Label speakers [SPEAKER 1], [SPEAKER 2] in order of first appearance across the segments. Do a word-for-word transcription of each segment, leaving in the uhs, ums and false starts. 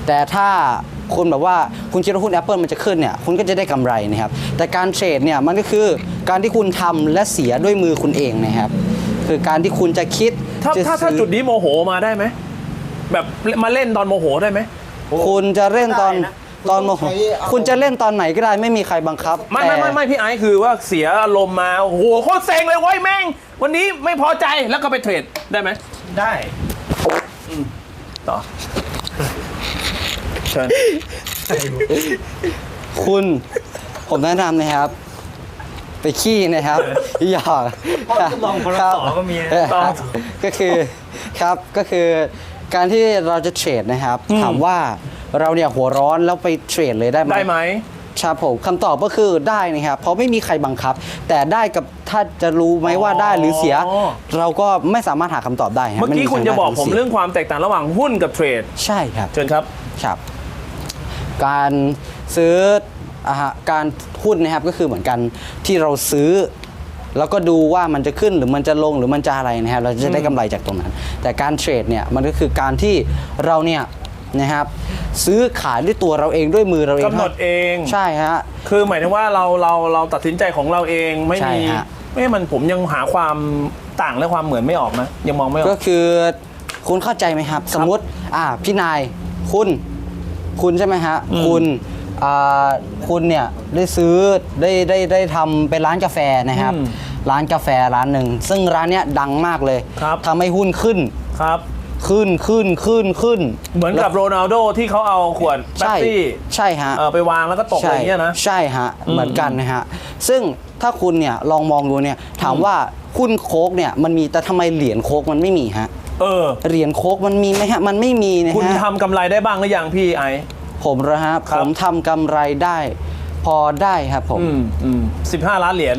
[SPEAKER 1] แต่ถ้าคุณแบบว่าคุณคิดว่าหุ้น Apple มันจะขึ้นเนี่ยคุณก็จะได้กำไรนะครับแต่การเทรดเนี่ยมันก็คือการที่คุณทำและเสียด้วยมือคุณเองนะครับคือการที่คุณจะคิด
[SPEAKER 2] ถ้า
[SPEAKER 1] จะ
[SPEAKER 2] ถ้าถ้าจุดนี้โมโหมาได้ไหมแบบมาเล่นตอนโมโหได้ไหม
[SPEAKER 1] คุณจะเล่นตอนตอนโมโหคุณจะเล่นตอนไหนก็ได้ไม่มีใครบังคับ
[SPEAKER 2] ไม่ไม่ไม่ไม่พี่ไอซ์คือว่าเสียอารมณ์มาโอ้โหโคตรเซ็งเลยเว้ยแม่งวันนี้ไม่พอใจแล้วก็ไปเทรดได้ไหม
[SPEAKER 3] ได้
[SPEAKER 2] ต่อเชิญ
[SPEAKER 1] คุณผมแนะนำนะครับ ไปขี้นะครับหยอก
[SPEAKER 3] มองคนละต่อก็มี
[SPEAKER 1] เออก็คือครับก็คือการที่เราจะเทรดนะครับถามว่าเราเนี่ยหัวร้อนแล้วไปเทรดเลยได้ไหม
[SPEAKER 2] ได้ไหม
[SPEAKER 1] ครับผมคำตอบก็คือได้นะครับเพราะไม่มีใครบังคับ แต่ได้กับถ้าจะรู้ไหมว่าได้หรือเสีย เราก็ไม่สามารถหาคำตอบได้รับ
[SPEAKER 2] เมื่อกี้คุณจะบอกผม
[SPEAKER 1] ไใรได้
[SPEAKER 2] เรื่องความแตกต่างระหว่างหุ้นกับเทรด
[SPEAKER 1] ใช่ครับ
[SPEAKER 2] เชิญครับ
[SPEAKER 1] ครับการซื้ออะฮะการหุ้นนะครับก็คือเหมือนกันที่เราซื้อ แล้วก็ดูว่ามันจะขึ้นหรือมันจะลงหรือมันจะอะไรนะครับเราจะได้กำไรจากตรงนั้น แต่การเทรดเนี่ยมันก็คือการที่เราเนี่ยนะครับซื้อขายด้วยตัวเราเองด้วยมือเราเอง
[SPEAKER 2] กำหนดเอง
[SPEAKER 1] ใช่ฮะ
[SPEAKER 2] คือหมายถึงว่าเราเราเราตัดสินใจของเราเองไม่
[SPEAKER 1] ใช่
[SPEAKER 2] มี
[SPEAKER 1] ฮะ
[SPEAKER 2] ไม่มันผมยังหาความต่างและความเหมือนไม่ออกนะยังมองไม่ออ
[SPEAKER 1] ก็
[SPEAKER 2] ก
[SPEAKER 1] คือคุณเข้าใจไหมครับ สมมติอ่าพี่นายคุณคุณใช่ไหมฮะคุณอ่าคุณเนี่ยได้ซื้อได้ได้ได้ทำเป็นร้านกาแฟนะครับ
[SPEAKER 2] อืม
[SPEAKER 1] ร้านกาแฟร้านหนึ่งซึ่งร้านเนี้ยดังมากเลย
[SPEAKER 2] ครับ
[SPEAKER 1] ทำให้หุ้นขึ้น
[SPEAKER 2] ครับ
[SPEAKER 1] ขึ้นขึ้นขึ้นขึ้น
[SPEAKER 2] เหมือนกับโรนัลโดที่เขาเอาขวดแป๊บ
[SPEAKER 1] ใช่
[SPEAKER 2] ซี่
[SPEAKER 1] ใช่ฮะ
[SPEAKER 2] เอ่อไปวางแล้วก็ตกอะไรอย่างเงี้ยนะ
[SPEAKER 1] ใช่ฮะเหมือนกันนะฮะซึ่งถ้าคุณเนี่ยลองมองดูเนี่ยถามว่าหุ้นโค้กเนี่ยมันมีแต่ทำไมเหรียญโค้กมันไม่มีฮะ
[SPEAKER 2] เออ
[SPEAKER 1] เหรียญโค้กมันมีไหมฮะมันไม่มีนะฮะ
[SPEAKER 2] คุณทำกำไรได้บ้างหรือยังพี่ไอซ์
[SPEAKER 1] ผมนะฮะ
[SPEAKER 2] ครั
[SPEAKER 1] ผ
[SPEAKER 2] บ
[SPEAKER 1] มทำกำไรได้ พอได้ครับผม
[SPEAKER 2] อืมอืมสิบห้าล้านเหรียญ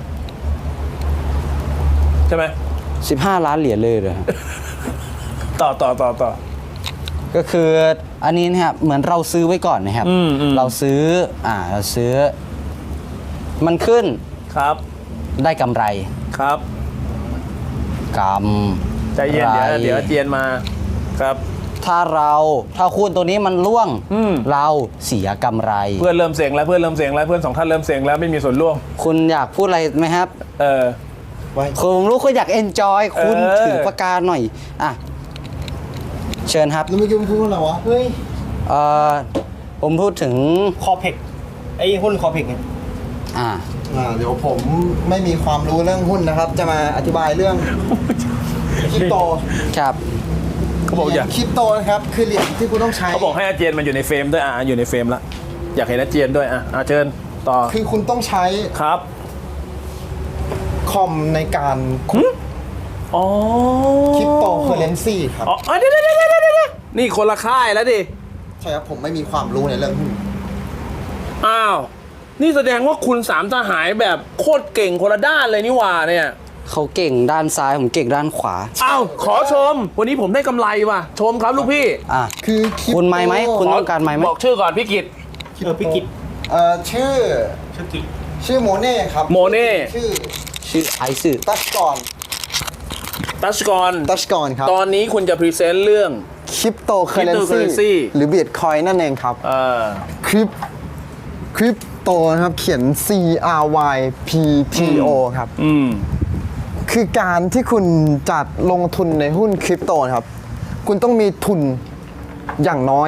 [SPEAKER 2] ใช่ไหม
[SPEAKER 1] สิบห้าล้านเหรียญเลยเหรอฮะ
[SPEAKER 2] ต่อต่อต่อต่อ
[SPEAKER 1] ก็คืออันนี้นะครับเหมือนเราซื้อไว้ก่อนนะครับ
[SPEAKER 2] อืมอืม
[SPEAKER 1] เราซื้ออ่าเราซื้อ มันขึ้น
[SPEAKER 2] ครับ
[SPEAKER 1] ได้กำไร
[SPEAKER 2] ครับ
[SPEAKER 1] กำ
[SPEAKER 2] ใจเย็นเดี๋ยวเดี๋ยวเจียนมาครับ
[SPEAKER 1] ถ้าเราถ้าหุ้นตัวนี้มันร่วง
[SPEAKER 2] อืม
[SPEAKER 1] เราเสียกำไร
[SPEAKER 2] เพื่อนเริ่มเสียงแล้วเพื่อนเริ่มเสียงแล้วเพื่อนสองท่านเริ่มเสียงแล้วไม่มีส่วนร่วม
[SPEAKER 1] คุณอยากพูดอะไรไหมครับ
[SPEAKER 2] เออ
[SPEAKER 1] ผมรู้คุณอยากเอนจอยคุณ
[SPEAKER 2] เออ
[SPEAKER 1] ถือปากกาหน่อยอ่ะเชิญครับ
[SPEAKER 3] แล้วเมื่อกี้มึงพูดว่าอะไรวะ เฮ้ย
[SPEAKER 1] เอ่อผมพูดถึง
[SPEAKER 3] คอเพกไอ้หุ้นคอเพกไง
[SPEAKER 1] อ่า
[SPEAKER 3] อ่าเดี๋ยวผมไม่มีความรู้เรื่องหุ้นนะครับ จะมาอธิบายเรื่องคริปโต
[SPEAKER 1] ครับ
[SPEAKER 2] เขาบอกอยาก
[SPEAKER 3] คริปโตนะครับคือเหรียญที่คุณต้องใช้
[SPEAKER 2] เขาบอกให้อาเจียนมันอยู่ในเฟรมด้วยอ่ะอยู่ในเฟรมละอยากเห็นอาเจียนด้วยอ่ะอ่ะเชิญต่อ
[SPEAKER 3] คือคุณต้องใช้
[SPEAKER 2] ครับ
[SPEAKER 3] คอมในการ
[SPEAKER 2] อ๋อ
[SPEAKER 3] คริปโตเคอเรนซีครับ
[SPEAKER 2] อ๋อเดี๋ยวเดี๋ยวเดี๋ยวเดี๋ยวเดี๋ยวนี่คนละค่ายแล้วดิ
[SPEAKER 3] ใช่ครับผมไม่มีความรู้ในเรื่องหุ้น
[SPEAKER 2] อ้าวนี่แสดงว่าคุณสามทหายแบบโคตรเก่งคนละด้านเลยนี่หว่าเนี่ย
[SPEAKER 1] เขาเก่งด้านซ้ายผมเก่งด้านขวา
[SPEAKER 2] อ้าวขอชม วันนี้ผมได้กำไรว่ะชมครับลูกพี่
[SPEAKER 1] อ่ะ
[SPEAKER 3] คือคริปโต
[SPEAKER 1] คุณไมค์ไหมคุณต้องการไมค์ไหม
[SPEAKER 2] บอกชื่อก่อนพี่กิต
[SPEAKER 3] เออพี่กิจเอ่อชื่อชื่อกิจชื่อโมเน่ครับ
[SPEAKER 2] โมเน่
[SPEAKER 3] ชื่อ
[SPEAKER 1] ชื่อไอซ์
[SPEAKER 3] ตัชกอน
[SPEAKER 2] ตัชกร
[SPEAKER 3] ตัชกอนครับ
[SPEAKER 2] ตอนนี้คุณจะพรีเซนต์เรื่อง
[SPEAKER 3] คริปโตเคอเรน
[SPEAKER 2] Cryptocurrency
[SPEAKER 3] ซีหรือบิตคอยนั่นเองครับ
[SPEAKER 2] เออ
[SPEAKER 3] คริปคริปโตนะครับเขียน C R Y P T O ครับ
[SPEAKER 2] อืม
[SPEAKER 3] คือการที่คุณจัดลงทุนในหุ้นคริปโตนะครับ คุณต้องมีทุนอย่างน้อย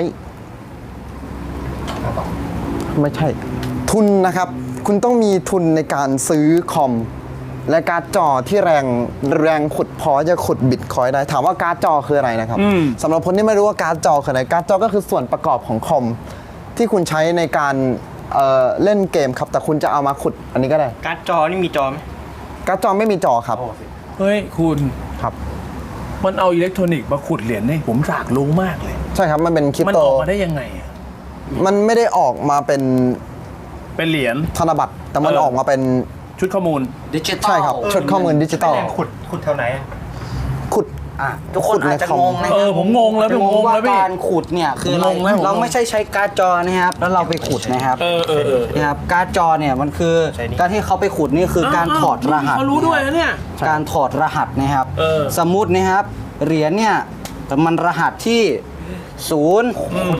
[SPEAKER 3] ไม่ใช่ ทุนนะครับ คุณต้องมีทุนในการซื้อคอม และการ์ดจอที่แรงแรงขุดพอจะขุดบิตคอยน์ได้ ถามว่าการ์ดจอคืออะไรนะครับสำหรับคนที่ไม่รู้ว่าการ์ดจอคืออะไรการ์ดจอก็คือส่วนประกอบของคอม ที่คุณใช้ในการเอ่อเล่นเกมครับ แต่คุณจะเอามาขุดอันนี้ก็ได้
[SPEAKER 4] การ์ดจอนี่มีจอไหม
[SPEAKER 3] การ์ดจอไม่มีจอครับ
[SPEAKER 2] เฮ้ยคุณ
[SPEAKER 3] ครับ
[SPEAKER 2] มันเอาอิเล็กทรอนิกส์มาขุดเหรียญนี่ผมอยากรู้มากเลย
[SPEAKER 3] ใช่ครับมันเป็นคริป
[SPEAKER 2] มัน
[SPEAKER 3] โต
[SPEAKER 2] ออกมาได้ยังไงอะ
[SPEAKER 3] มันไม่ได้ออกมาเป็น
[SPEAKER 2] เป็นเหรียญ
[SPEAKER 3] ธนบัตรแต่มัน
[SPEAKER 2] เออ
[SPEAKER 3] ออกมาเป็น
[SPEAKER 2] ชุดข้อมูล
[SPEAKER 1] ดิจิตอล
[SPEAKER 3] ใช่ครับชุดข้อมูลดิจิตอล
[SPEAKER 4] แรงขุดขุดแถวไหนอะ
[SPEAKER 3] ขุด
[SPEAKER 1] อ่ะทุกคนอาจจะงงนะ
[SPEAKER 2] เออผมงงแล้วผมงง
[SPEAKER 1] ว่า
[SPEAKER 2] แล้วพี่
[SPEAKER 1] การขุดเนี่ยคืออะไร
[SPEAKER 2] ผมงงแล้วผมงง
[SPEAKER 1] เราไม่ใช่ใช้การ์ดจอนะครับแล้วเราไปขุดนะครับ
[SPEAKER 2] เออเออเออ
[SPEAKER 1] นะครับการ์ดจอเนี่ยมันคือการที่เขาไปขุดนี่คือการถอดรหัส
[SPEAKER 2] เขารู้ด้วยนะเนี่ย
[SPEAKER 1] การถอดรหัสนะครับ
[SPEAKER 2] เออ
[SPEAKER 1] สมมุตินะครับเหรียญเนี่ยมันรหัสที่ศูนย์